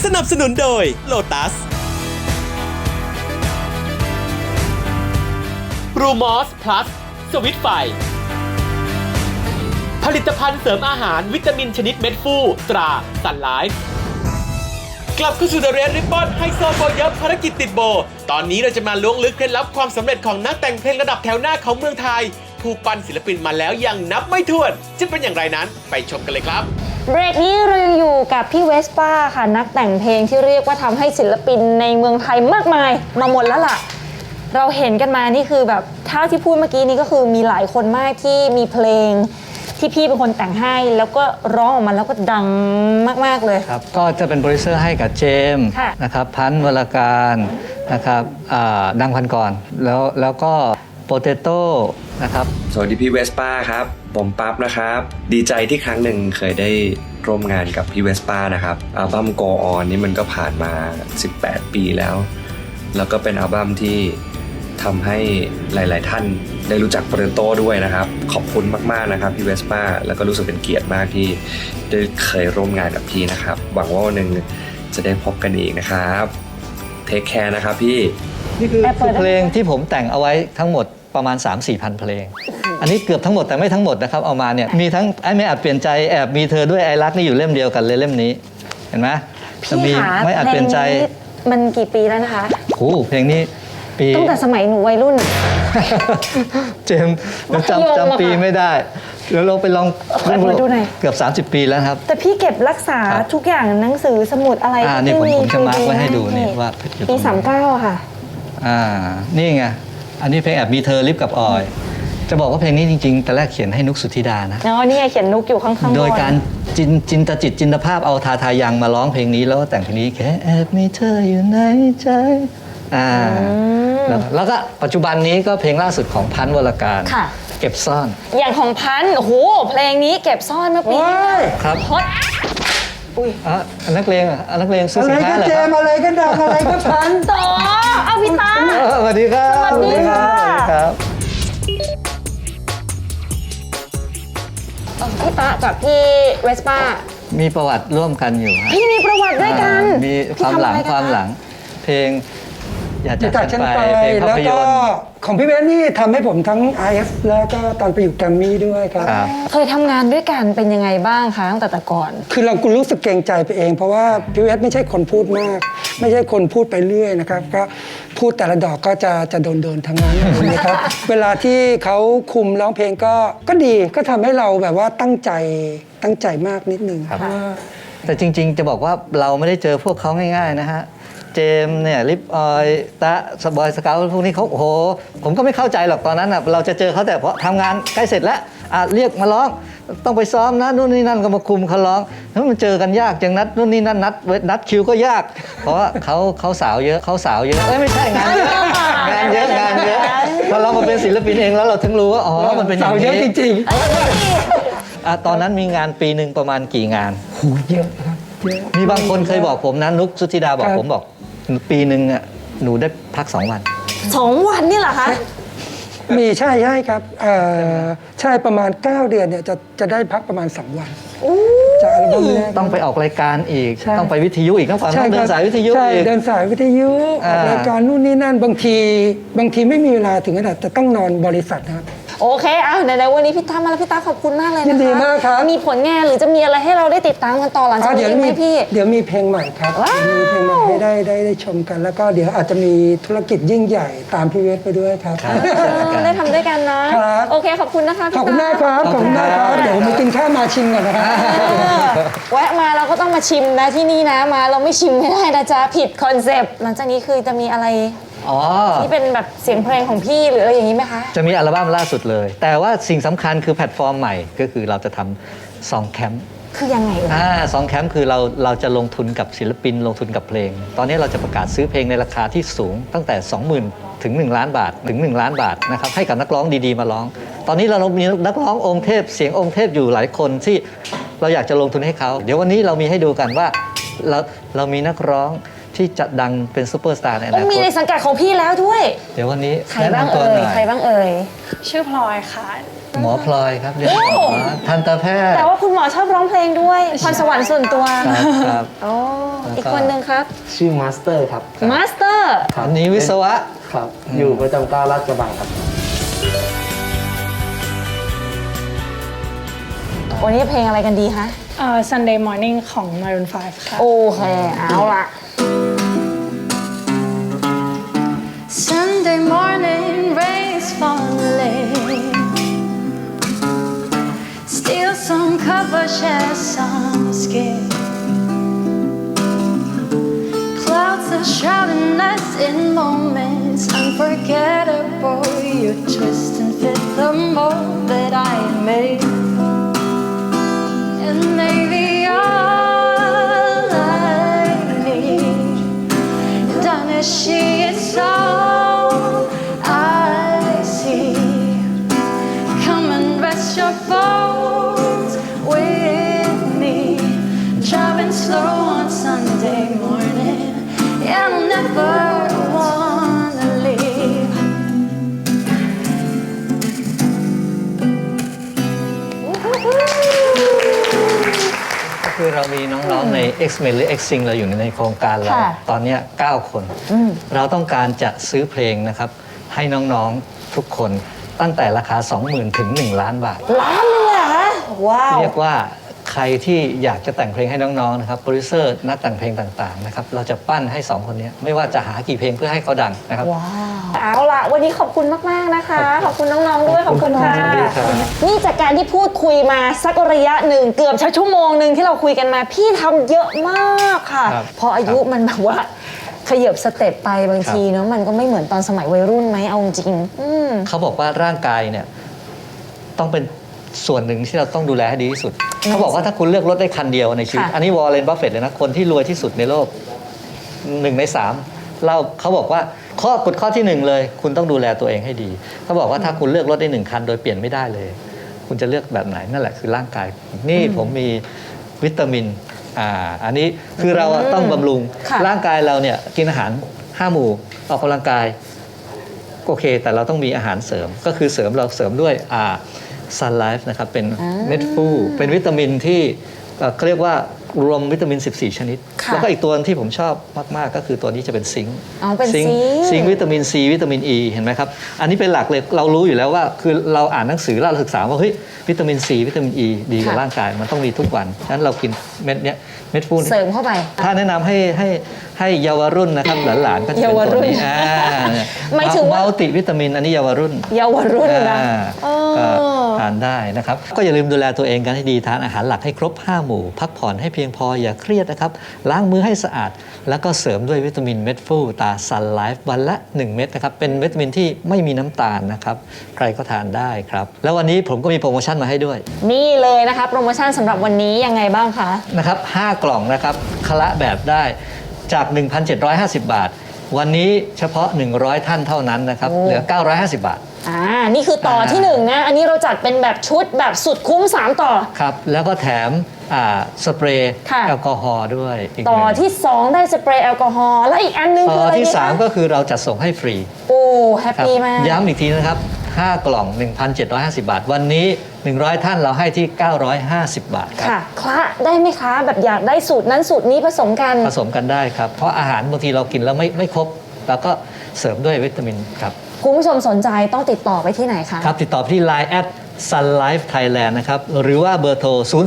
สนับสนุนโดย Lotus บรูมอสพลัสสวิตไฟผลิตภัณฑ์เสริมอาหารวิตามินชนิดเม็ดฟูตราซันไลฟ์กลับเข้าสู่ The Red Ribbon ไฮโซโบเยอะภารกิจติดโบตอนนี้เราจะมาล้วงลึกเคล็ดลับความสำเร็จของนักแต่งเพลงระดับแถวหน้าของเมืองไทยผู้ปั้นศิลปินมาแล้วยังนับไม่ถ้วนจะเป็นอย่างไรนั้นไปชมกันเลยครับเบรกนี้เรายังอยู่กับพี่เวสป้าค่ะนักแต่งเพลงที่เรียกว่าทำให้ศิลปินในเมืองไทยมากมายมาหมดแล้วล่ะเราเห็นกันมานี่คือแบบเท่าที่พูดเมื่อกี้นี้ก็คือมีหลายคนมากที่มีเพลงที่พี่เป็นคนแต่งให้แล้วก็ร้องออกมาแล้วก็ดังมากๆเลยครับก็จะเป็นโปรดิวเซอร์ให้กับเจมส์นะครับพันธ์วรการนะครับดังพันก่อนแล้วก็โปเตโต้นะครับสวัสดีพี่เวสป้าครับผมปั๊บนะครับดีใจที่ครั้งหนึ่งเคยได้ร่วมงานกับพี่เวสป้านะครับอัลบั้ม Go On นี่มันก็ผ่านมา18 ปีแล้วก็เป็นอัลบั้มที่ทำให้หลายๆท่านได้รู้จักโปเตโต้ด้วยนะครับขอบคุณมากๆนะครับพี่เวสป้าแล้วก็รู้สึกเป็นเกียรติมากที่ได้เคยร่วมงานกับพี่นะครับหวังว่าวันหนึ่งจะได้พบกันอีกนะครับเทคแคร์นะครับพี่นี่คือเพลงที่ผมแต่งเอาไว้ทั้งหมดประมาณ 3-4 พันเพลงอันนี้เกือบทั้งหมดแต่ไม่ทั้งหมดนะครับเอามาเนี่ยมีทั้งไอ้ไม่อาจเปลี่ยนใจแอบมีเธอด้วยไอรักนี่อยู่เล่มเดียวกันเลยเล่มนี้เห็นไหมพี่ขาไม่อาจเปลี่ยนใจมันกี่ปีแล้วนะคะโอ้เพลงนี้ปีตั้งแต่สมัยหนูวัยรุ่นเจมส์จำปีไม่ได้เดี๋ยวเราไปลองดูหน่อยเกือบ30 ปีแล้วครับแต่พี่เก็บรักษาทุกอย่างหนังสือสมุดอะไรที่ผมจะมาร์คไว้ให้ดูนี่ว่าปี39ค่ะนี่ไงอันนี้เพลงแอบมีเธอลิฟกับออยจะบอกว่าเพลงนี้จริงๆแต่แรกเขียนให้นุกสุธิดานะนี่ไงเขียนนุกอยู่ข้างๆโดยการจินตจิตจินตภาพเอาทายังมาร้องเพลงนี้แล้วก็แต่งเพลงนี้แค่แอบมีเธออยู่ในใจแล้วก็ปัจจุบันนี้ก็เพลงล่าสุดของพันธ์วรการเก็บซ่อนอย่างของพันธ์โอ้โหเพลงนี้เก็บซ่อนเมื่อปีที่แล้วครับฮอตอุ้ยนักเลงนักเลงซื้อสินค้าเหรอเจมอะไรก็ดังอะไรก็พันต่อเอาพี่ตาสวัสดีครับสวัสดีครับพี่ตากับพี่เวสป้ามีประวัติร่วมกันอยู่พี่มีประวัติด้วยกันมีความหลังเพลงอยากจากฉันไปเพลงภาพยนตร์ของพี่เบนนี่ทำให้ผมทั้ง IF แล้วก็ตอนไปอยู่แกรมมี่ด้วยครับเคยทำงานด้วยกันเป็นยังไงบ้างคะตั้งแต่ก่อนคือเรารู้สึกเกรงใจไปเองเพราะว่าพี่เบนไม่ใช่คนพูดมากไม่ใช่คนพูดไปเรื่อยนะครับก็พูดแต่ละดอกก็จะโดนทั้งนั้นนะครับเวลาที่เขาคุมร้องเพลงก็ดีก็ทำให้เราแบบว่าตั้งใจมากนิดนึงครับแต่จริงๆจะบอกว่าเราไม่ได้เจอพวกเขาง่ายๆนะฮะเจมเนี่ยลิปออยตะสบอยสเกลพวกนี้เขาโอ้โหผมก็ไม่เข้าใจหรอกตอนนั้นเราจะเจอเขาแต่พอทำงานใกล้เสร็จแล้วเรียกมาร้องต้องไปซ้อมนะนู่นนี่นั่นก็มาคุมเขาร้องแล้วมันเจอกันยากจังนัดนู่นนี่นั่นนัดคิวก็ยากเพราะว่าเขาสาวเยอะไม่ใช่งานเยอะพอเรามาเป็นศิลปินเองแล้วเราถึงรู้ว่าอ๋อมันเป็นอย่างนี้เยอะจริงๆตอนนั้นมีงานปีหนึ่งประมาณกี่งานโหเยอะครับมีบางคนเคยบอกผมนะนุกสุธิดาบอกผมบอกปีหนึ่งหนูได้พัก2 วัน 2 วันนี่เหรอคะมีใช่ครับใช่ประมาณ9 เดือนเนี่ยจะได้พักประมาณ2 วันจากอัลบั้มแรกต้องไปออกรายการอีกต้องไปวิทยุอีกต้องฟังเดินสายวิทยุอีกเดินสายวิทยุออกรายการนู่นนี่นั่นบางทีไม่มีเวลาถึงขนาดจะต้องนอนบริษัทนะครับโอเคไหนๆวันนี้พี่ตามาแล้วพี่ตาขอบคุณมากเลยนะคะยินดีมากครับมีผลงานหรือจะมีอะไรให้เราได้ติดตามกันต่อหลังจากนี้ไหมพี่เดี๋ยวมีเพลงใหม่ครับมีเพลงใหม่ให้ได้ชมกันแล้วก็เดี๋ยวอาจจะมีธุรกิจยิ่งใหญ่ตามพี่เวสไปด้วยครับได้ทำด้วยกันนะโอเคขอบคุณนะคะพี่ตาขอบคุณมากครับเดี๋ยวมากินข้าวมาชิมก่อนนะครับแวะมาเราก็ต้องมาชิมนะที่นี่นะมาเราไม่ชิมไม่ได้นะจ๊ะผิดคอนเซปต์หลังจากนี้คือจะมีอะไรที่เป็นแบบเสียงเพลงของพี่หรืออะไรอย่างนี้ไหมคะจะมีอัลบั้มล่าสุดเลยแต่ว่าสิ่งสำคัญคือแพลตฟอร์มใหม่ก็คือเราจะทำซองแคมป์คือยังไงซองแคมป์คือเราจะลงทุนกับศิลปินลงทุนกับเพลงตอนนี้เราจะประกาศซื้อเพลงในราคาที่สูงตั้งแต่ 20,000 ถึง 1 ล้านบาทถึง1 ล้านบาทนะครับให้กับนักร้องดีๆมาร้องตอนนี้เรามีนักร้ององค์เทพเสียงองค์เทพอยู่หลายคนที่เราอยากจะลงทุนให้เขาเดี๋ยววันนี้เรามีให้ดูกันว่าเรามีนักร้องที่จะดังเป็นซูเปอร์สตาร์ในอนาคตมีในสังกัดของพี่แล้วด้วยเดี๋ยววันนี้ใครบ้างเอ่ยชื่อพลอยค่ะหมอพลอยครับเรียนหมอทันตแพทย์แต่ว่าคุณหมอชอบร้องเพลงด้วยพรสวรรค์ส่วนตัวครับโอ้อีกคนหนึ่งครับชื่อมาสเตอร์ครับมาสเตอร์อันนี้วิศวะครับ อยู่ประจำการลาดกระบังครับวันนี้เพลงอะไรกันดีคะ Sunday Morning ของ Maroon 5 ค่ะโอเค เอาละ Sunday morning rain's falling Steal some cover, share some skin Clouds are shrouding us in moments unforgettable You twist and fit the mold that I made And maybe all I need Done as she is all I see Come and rest your bones with me Driving slow on Sunday morning And I'll never wanna leave ก็คือเรามีน้องๆใน X-Men หรือ X-Sing เราอยู่ในโครงการเราค่ะตอนเนี้ย9 คน เราต้องการจะซื้อเพลงนะครับ ให้น้องๆทุกคนตั้งแต่ราคา 20,000 ถึง 1 ล้านบาทล้านเลยเหรอคะว้าวเรียกว่าใครที่อยากจะแต่งเพลงให้น้องๆนะครับโปรดิวเซอร์นักแต่งเพลงต่างๆนะครับเราจะปั้นให้ 2 คนนี้ไม่ว่าจะหากี่เพลงเพื่อให้เขาดังนะครับว้าวเอาล่ะ วันนี้ขอบคุณมาก ๆ นะคะ ขอบคุณน้อง ๆ ด้วย ขอบคุณค่ะยินดีครับนี่จากการที่พูดคุยมาสักระยะหนึ่งเกือบชั่วโมงหนึ่งที่เราคุยกันมา พี่ทำเยอะมากค่ะ พออายุมันแบบว่าขยับสเต็ปไปบางทีเนาะมันก็ไม่เหมือนตอนสมัยวัยรุ่นไหมเอาจริงเขาบอกว่าร่างกายเนี่ยต้องเป็นส่วนหนึ่งที่เราต้องดูแลให้ดีที่สุด เขาบอกว่าถ้าคุณเลือกรถได้คันเดียวในชีวิตค่ะอันนี้วอร์เรน บัฟเฟตต์เลยนะ คนที่รวยที่สุดในโลก1 ใน 3เขาบอกว่าข้อที่ 1 เลย คุณต้องดูแลตัวเองให้ดี เขาบอกว่าถ้าคุณเลือกรถได้1 คันโดยเปลี่ยนไม่ได้เลย คุณจะเลือกแบบไหนนั่นแหละคือร่างกาย นี่ผมมีวิตามินอันนี้คือเราต้องบำรุงค่ะร่างกายเราเนี่ยกินอาหาร5 หมู่ออกกำลังกายโอเค แต่เราต้องมีอาหารเสริมก็คือเราเสริมด้วยSun Life นะครับเป็นเม็ดฟูเป็นวิตามินที่เขาเรียกว่ารวมวิตามิน 14 ชนิดค่ะแล้วก็อีกตัวที่ผมชอบมาก ๆ ก็คือตัวนี้จะเป็นซิงค์อ๋อเป็นซิงค์ซิงค์วิตามิน C วิตามิน E เห็นไหมครับ อันนี้เป็นหลักเลยเรารู้อยู่แล้วว่าคือเราอ่านหนังสือเราศึกษาว่าเฮ้ยวิตามิน C วิตามิน E ดีกับร่างกายมันต้องมีทุกวันฉะนั้นเรากินเม็ดเนี้ยเม็ดฟูเสริมเข้าไปถ้าแนะนำให้เยาวรุ่นนะครับหลานๆก็จะเป็นตัวนี้หมายถึงว่ามัลติวิตามินอันนี้เยาวรุ่นเยาวรุ่นนะก็ทานได้นะครับ ก็อย่าลืมดูแลตัวเองกันให้ดีทานอาหารหลักให้ครบ 5 หมู่ พักผ่อนให้เพียงพออย่าเครียดนะครับ ล้างมือให้สะอาด แล้วก็เสริมด้วยวิตามินเม็ดฟูตา Sun Life วันละ 1 เม็ดนะครับ เป็นวิตามินที่ไม่มีน้ำตาลนะครับ ใครก็ทานได้ครับ แล้ววันนี้ผมก็มีโปรโมชั่นมาให้ด้วยนี่เลยนะคะโปรโมชั่นสำหรับวันนี้ยังไงบ้างคะนะครับ 5 กล่องนะครับคละแบบได้จาก 1,750 บาท วันนี้เฉพาะ 100 ท่านเท่านั้นนะครับโอ้เหลือ 950 บาทนี่คือต่อที่1นะ อันนี้เราจัดเป็นแบบชุดแบบสุดคุ้ม 3 ต่อครับ แล้วก็แถมสเปรย์ค่ะแอลกอฮอล์ด้วยอีกต่อหนึ่งที่ 2 ได้สเปรย์แอลกอฮอล์และอีกอันนึงต่คือออะไรที่ดีคะ 3 ก็คือเราจัดส่งให้ฟรีโอ้แฮปครับปี้มากย้ำอีกทีนะครับ 5 กล่อง 1,750 บาท วันนี้ 100 ท่านเราให้ที่ 950 บาทครับค่ะคละได้ไหมคะ แบบอยากได้สูตรนั้นสูตรนี้ผสมกันผสมกันได้ครับ เพราะอาหารบางทีเรากินแล้วไม่ครบเราก็เสริมด้วยวิตามินครับคุณผู้ชมสนใจต้องติดต่อไปที่ไหนคะครับ ติดต่อที่ Line Sun Life Thailand นะครับ หรือว่าเบอร์โทร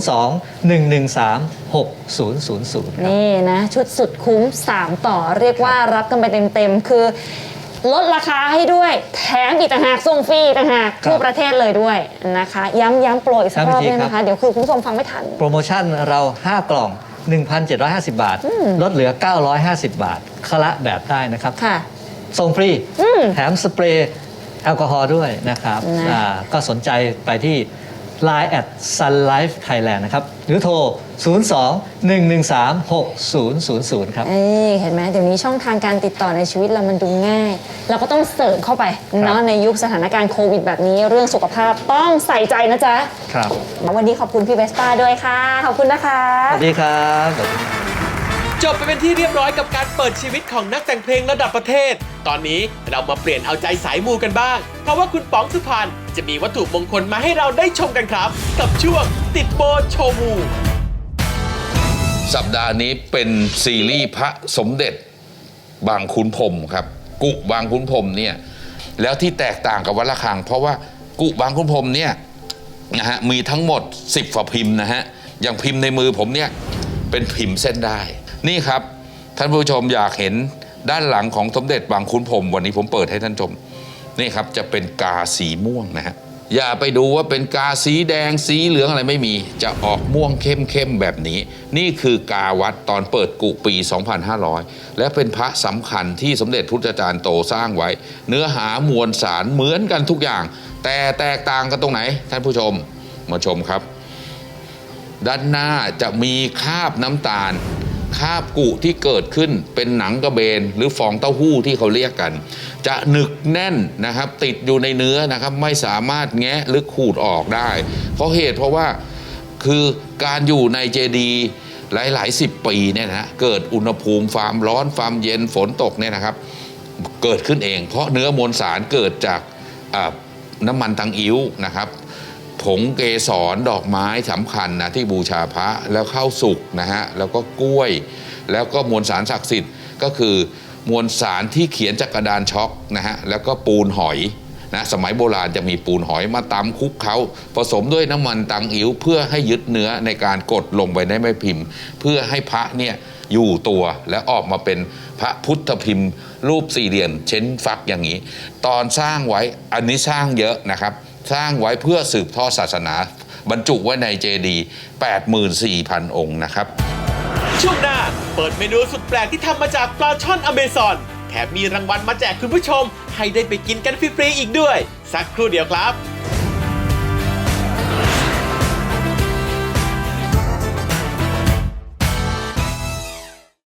02-113-6000 ครับนี่นะ ชุดสุดคุ้ม 3 ต่อเรียกว่ารับกันไปเต็มๆ คือลดราคาให้ด้วย แถมอีกต่างหากส่งฟรีอีกต่างหากครับทั่วประเทศเลยด้วยนะคะ ย้ำโปรอีกสักรอบย้ำอีกทีได้ไหมครัคะบเดี๋ยวคือคุณผู้ชมฟังไม่ทันโปรโมชั่นเรา 5 กล่อง 1,750 บาท ลดเหลือ 950 บาทคละแบบได้นะครับค่ะส่งฟรี แถมสเปรย์แอลกอฮอล์ด้วยนะครับนะก็สนใจไปที่ Line Sun Life Thailand นะครับ หรือโทร 02-113-6000 ครับเห็นไหมเดี๋ยวนี้ช่องทางการติดต่อในชีวิตเรามันดูง่าย เราก็ต้องเสริมเข้าไปเนาะในยุคสถานการณ์โควิดแบบนี้ เรื่องสุขภาพต้องใส่ใจนะจ๊ะครับวันนี้ขอบคุณพี่เวสป้าด้วยค่ะ ขอบคุณนะคะสวัสดีครับจบไปเป็นที่เรียบร้อยกับการเปิดชีวิตของนักแต่งเพลงระดับประเทศ ตอนนี้เรามาเปลี่ยนเอาใจสายมูกันบ้าง เพราะว่าคุณป๋องสุพรรณจะมีวัตถุมงคลมาให้เราได้ชมกันครับ กับช่วงติดโบโชว์มูสัปดาห์นี้เป็นซีรีส์พระสมเด็จบางขุนพรหมครับ กุบางขุนพรหมเนี่ยแล้วที่แตกต่างกับวัดระฆัง เพราะว่ากุบางขุนพรหมเนี่ยนะฮะมีทั้งหมด10 ฝาพิมพ์นะฮะอย่างพิมพ์ในมือผมเนี่ยเป็นพิมพ์เส้นได้นี่ครับท่านผู้ชมอยากเห็นด้านหลังของสมเด็จบางขุนพรหมวันนี้ผมเปิดให้ท่านชมนี่ครับจะเป็นกาสีม่วงนะฮะอย่าไปดูว่าเป็นกาสีแดงสีเหลืองอะไรไม่มีจะออกม่วงเข้มๆแบบนี้นี่คือกาวัดตอนเปิดกุปี 2500 และเป็นพระสำคัญที่สมเด็จพุทธจารย์โตสร้างไว้เนื้อหามวลสารเหมือนกันทุกอย่างแต่แตกต่างกันตรงไหนท่านผู้ชมมาชมครับด้านหน้าจะมีคราบน้ำตาลคราบกุที่เกิดขึ้นเป็นหนังกระเบนหรือฟองเต้าหู้ที่เขาเรียกกันจะหนึกแน่นนะครับติดอยู่ในเนื้อนะครับไม่สามารถแงะหรือขูดออกได้เพราะว่าคือการอยู่ในเจดีย์หลาย10 ปีเนี่ยนะเกิดอุณหภูมิความร้อนความเย็นฝนตกเนี่ยนะครับเกิดขึ้นเองเพราะเนื้อมวลสารเกิดจากน้ำมันตังอิ๊วนะครับผงเกสรดอกไม้สำคัญนะที่บูชาพระแล้วข้าวสุกนะฮะแล้วก็กล้วยแล้วก็มวลสารศักดิ์สิทธิ์ก็คือมวลสารที่เขียนจากกระดานช็อกนะฮะแล้วก็ปูนหอยนะสมัยโบราณจะมีปูนหอยมาตำคลุกเขาผสมด้วยน้ำมันตังอิ๋วเพื่อให้ยึดเนื้อในการกดลงไปในแม่พิมพ์เพื่อให้พระเนี่ยอยู่ตัวและออกมาเป็นพระพุทธพิมพ์รูปสี่เหลี่ยมเช้นฟักอย่างนี้ตอนสร้างไว้อันนี้สร้างเยอะนะครับสร้างไว้เพื่อสืบทอดศาสนาบรรจุไว้ในเจดีย์ 84,000 องค์นะครับช่วงหน้าเปิดเมนูสุดแปลกที่ทำมาจากปลาช่อนอเมซอนแถมมีรางวัลมาแจกคุณผู้ชมให้ได้ไปกินกันฟรีๆอีกด้วยสักครู่เดียวครับ